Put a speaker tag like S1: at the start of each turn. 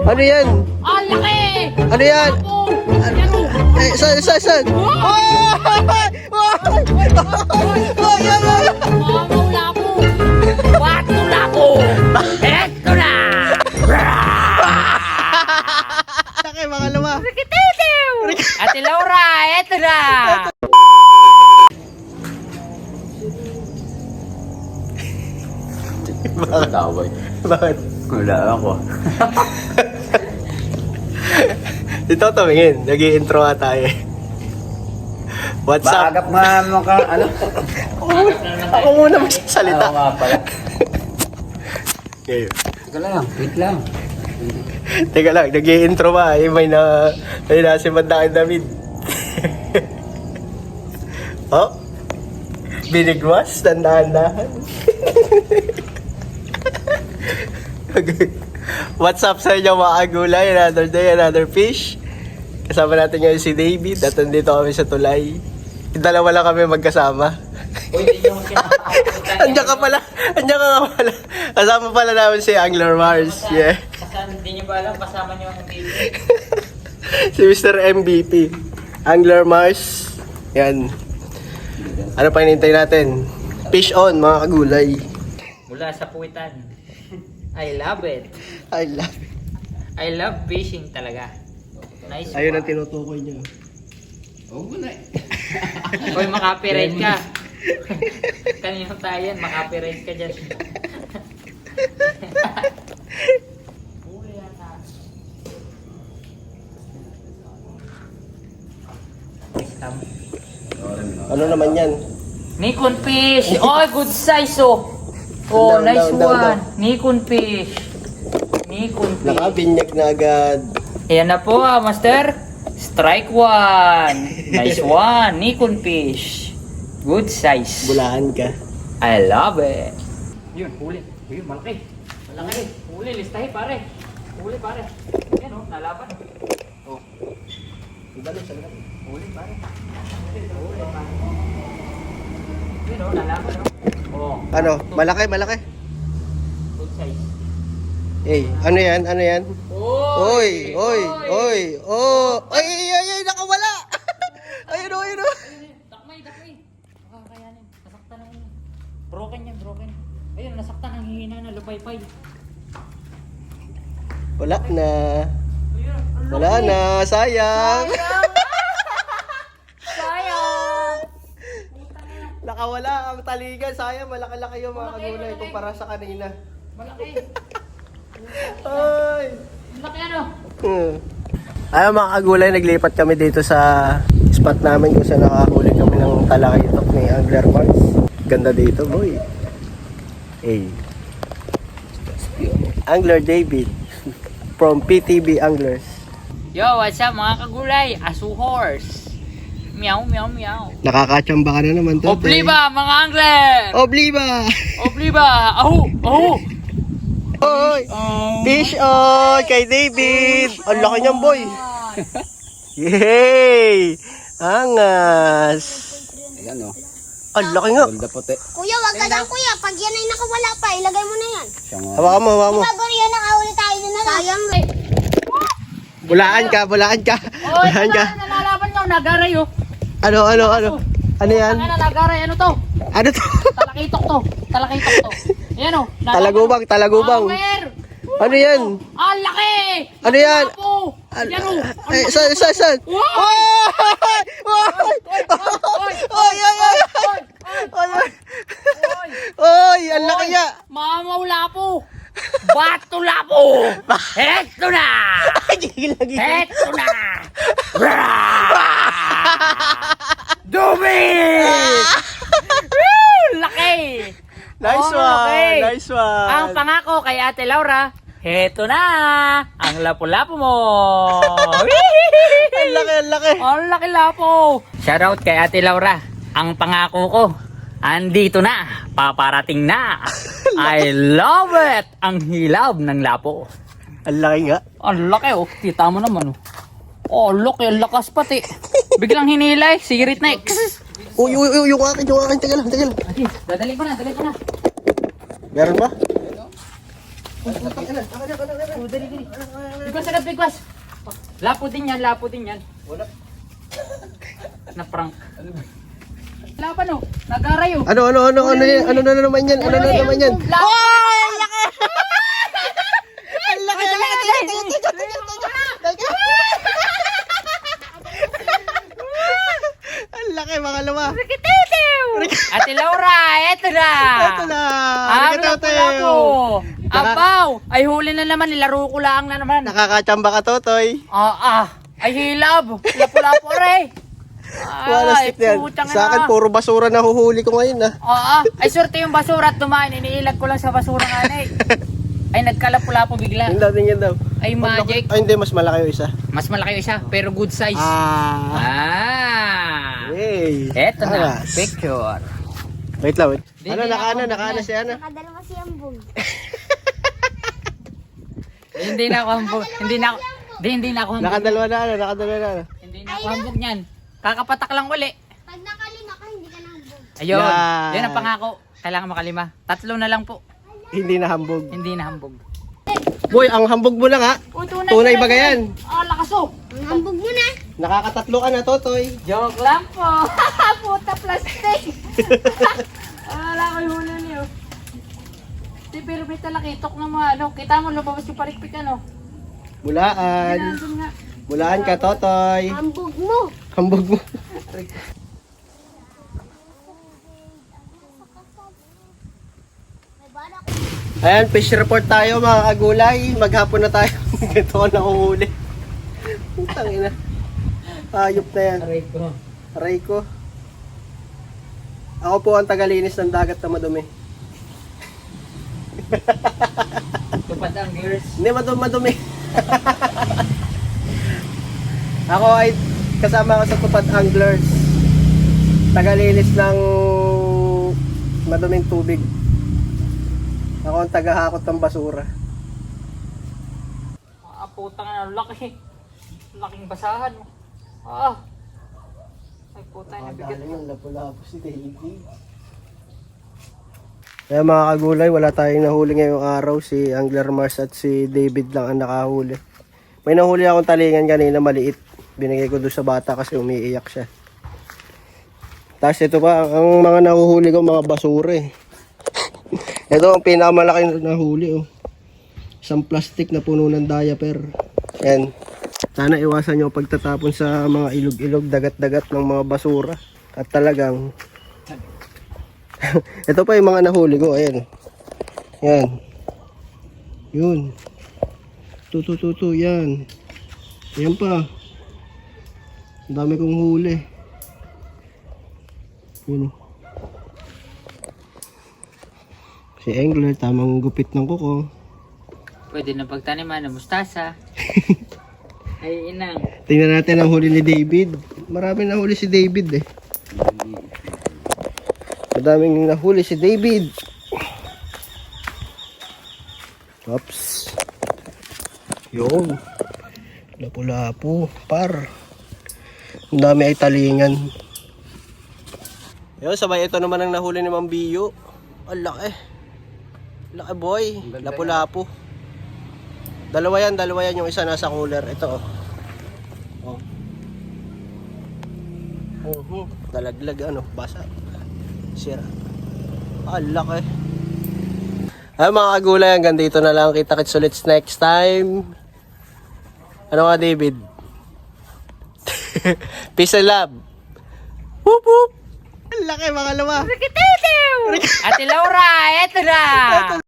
S1: Ano yan?
S2: Ang laki!
S1: Ano yan?
S2: Ako! Ano?
S1: Saan?
S2: Mamaw lapo! Bato lapo! Eto na!
S1: Laki, makalawa.
S2: Rikititiw! Ate Laura, eto na!
S1: Bakit?
S3: Tawag.
S1: Bakit?
S3: Wala ako.
S1: Ito tumingin, nag-i-intro nga tayo. What's up?
S3: Maagap nga mo ka, ano?
S1: Ako muna magsasalita.
S3: Oo nga pala.
S1: Ngayon.
S3: Teka lang, wait lang.
S1: Teka lang, nag-i-intro ba? May si Mandakin David. Oh? Binigwas? Dandahan-dahan. What's up sa inyo mga kagulay? Another day, another fish. Kasama natin ngayon si David at nandito kami sa tulay. Dalawa lang kami magkasama.
S3: Uy, hindi nyo kinakakakutan.
S1: Andiyan ka pala. Kasama pala namin si Angler Mars. Yeah.
S2: Hindi nyo ba alam, kasama nyo ang baby?
S1: Si Mr. MVP. Angler Mars. Yan. Ano pa hinihintay natin? Fish on mga kagulay.
S2: Mula sa puwitan. I love it.
S1: I love it.
S2: I love fishing talaga. Nice
S1: Ayun
S2: one.
S1: ang tinutukoy niya.
S3: Oo mo na eh.
S2: Hoy, makapiright ka. Kanino tayo yan, makapiright ka dyan.
S1: Ano naman yan?
S2: Nikon fish! Oh, good size oh! Oh,
S1: Down,
S2: nice
S1: down,
S2: one!
S1: down.
S2: Nikon fish! Nikon fish!
S1: Nakabinyak na agad.
S2: Ayan na po master! Strike one! Nice one! Nikon fish! Good size!
S1: Bulahan ka.
S2: I love it! Yun, huli! Yun, malaki! Malaki! Huli, listahin pare! Huli pare! Ayan oh, nalaban oh!
S1: Ibalo sa lahat.
S2: Huli pare! Huli pare! Yun oh, nalaban oh! Oh!
S1: Ano? Malaki.
S2: Good size!
S1: Eh, ano yan?
S2: Oy!
S1: Oh! Ay, nakawala! Ayun o.
S2: Dakmay! Makakayanin. Nasaktan ang broken yan. Ayun, nasaktan ang hihina na lupay-pay.
S1: Wala na.
S2: Ayun,
S1: Wala na. Sayang.
S2: Sayang!
S1: Nakawala ang taligan. Sayang, malaki-laki yung mga kagulay kumpara sa kanina.
S2: Malaki!
S1: Ay!
S2: Malaki ano?
S1: Ayaw mga kagulay, naglipat kami dito sa spot namin kung saan nakahuli kami ng talakitok ni Angler Mars. Ganda dito, boy. Hey. Angler David from PTB Anglers.
S2: Yo, what's up mga kagulay? Asu horse! Meow!
S1: Nakakachamba ka na naman to.
S2: Obliba mga angler!
S1: Obliba!
S2: Obliba! Ahu!
S1: Oy! Fish on kay David! Ang laki niyan, boy! Yay! Angas!
S3: Ayan o.
S1: Ang laki nga!
S3: Ganda puti.
S4: Kuya, wag ka lang kuya. Pag yan ay nakawala pa, ilagay mo na yan.
S3: Siya nga.
S1: Hawakan mo.
S4: Bago yan, nakahuli tayo na lang. Sayang.
S1: Bulaan ka!
S2: Oy, nalalaban nyo, nagaray oh!
S1: Ano yan?
S2: Ang nagaray, ano to?
S1: Ano to?
S2: Talakitok to. Ayan o.
S1: Talagubang. Ano yan?
S2: Ang laki!
S1: Ano yan?
S2: Yan o.
S1: Saan? Oy! Ang laki niya!
S2: Mamaw lapo! Bato lapo! Heto na! Heto na! Dumi! Laki!
S1: Nice
S2: Oh, okay.
S1: Nice one!
S2: Ang pangako kay Ate Laura, heto na! Ang lapo-lapo mo!
S1: Ang laki!
S2: Ang laki lapo! Shoutout kay Ate Laura. Ang pangako ko, andito na! Paparating na! I love it! Ang hilab ng lapo.
S1: Ang laki nga.
S2: Ang laki oh. Kita mo naman oh. Oh, laki. Ang lakas pati. Biglang hinilay. Sirit na eh.
S1: Uy, yung akin. Teka lang.
S2: Dadali ko na.
S1: Meron ba?
S2: Bigwas agad, bigwas. Lapo din yan, lapo din yan.
S1: Wala.
S2: Na-prank. Lapan oh, nag-aray oh.
S1: Ano yan? Ano na naman yan? Ano na naman yan?
S2: Lapo!
S1: Ang laki mga luma.
S2: Ate Laura, eto na!
S1: Ito na.
S2: Ang lapo-lapo! Abaw! Ay huli na naman, nilaro ko lang na naman.
S1: Nakakachamba ka, Totoy.
S2: Ay hilab! Lapo-lapo rin!
S1: Wala stick yan. Sa akin, puro basura na huhuli ko ngayon,
S2: Ay swerte yung basura at dumaan, iniilag ko lang sa basura nga na Ay nagkalapo-lapo bigla.
S1: Yung daw, tingin daw.
S2: Ay magic.
S1: Ay, hindi. Mas malaki yung isa.
S2: Mas malaki yung isa, pero good size.
S1: Hey.
S2: Eto na,
S1: Aras.
S2: picture.
S1: Wait lang, wait.
S2: Di,
S1: Ano,
S2: di,
S1: nakaana
S2: nakahambog
S1: si Ana.
S4: Nakadalawa si Ambong.
S2: Hindi na ako hambog. Hindi na ako hambog.
S1: Nakadalawa na.
S2: Hindi na ako hambog niyan. Kakapatak lang uli.
S4: Pag nakalima ka, hindi ka nahambog.
S2: Ayun.
S1: Yan.
S2: Yan ang pangako. Kailangan makalima. 3 na lang po.
S1: Hindi na hambog.
S2: Hindi na hambog.
S1: Boy, ang hambog mo lang ha. Tunay ba yan?
S2: Lakas oh.
S4: Ang hambog mo na.
S1: Nakakatatlo ka na, Totoy.
S2: Joke lang po. Puta plastic. Wala ko yung hula niyo. Di, pero may talakitok na mga ano. Kita mo lumabas yung parikpik ano.
S1: Mulaan.
S2: Nandun nga.
S1: Mulaan ka, Totoy.
S4: Hambog mo.
S1: Hambog mo.
S4: May bala ko.
S1: Ayan, fish report tayo mga kagulay. Maghapon na tayo. Ganito ko nakuhuli. Putang ina. Ayop na yan. Aray ko. Ako po ang tagalinis ng dagat na madumi.
S2: Tupad ang gears.
S1: Hindi, madumi. Ako ay kasama ko sa Tupad Anglers. Tagalinis ng maduming tubig. Ako ang tagahakot ng basura.
S2: Putang na, laki. Laking basahan mo. Ay puta na bigat.
S1: Yung lapu-lapu si David. Kaya mga kagulay, wala tayong nahuli ngayong araw. Si Angler Mars at si David lang ang nakahuli. May nahuli akong talingan kanina maliit. Binigay ko doon sa bata kasi umiiyak siya. Tapos ito pa, ang mga nahuhuli ko mga basura eh. Ito ang pinakamalaki na nahuli oh. Isang plastic na puno ng diaper. Yan. Sana iwasan nyo pagtatapon sa mga ilog-ilog, dagat-dagat ng mga basura. At talagang ito pa yung mga nahuli ko. Ayan. Yan. Yun. Tutu. Yan. Yan pa. Ang dami kong huli. Yun. Si Angler, tamang gupit ng kuko.
S2: Pwede na pagtaniman ng mustasa. Ay inang.
S1: Tingnan natin ang huli ni David. Marami na huli si David eh. Madaming nahuli si David. Oops. Yun. Lapu-lapu. Par. Ang dami ay talingan. Yun, sabay ito naman ang nahuli ni Mang Biyo. Ang laki. Laki boy. Lapu-lapu. Dalawa yan. Yung isa nasa cooler. Ito oh. Dalaglag ano. Basa. Sira. Ang laki. Ay mga kagulay, hanggang dito na lang. Kita-kits ulit next time. Ano nga David? Peace and love. Whoop whoop. Ang laki mga luma.
S2: Ate Laura, eto na!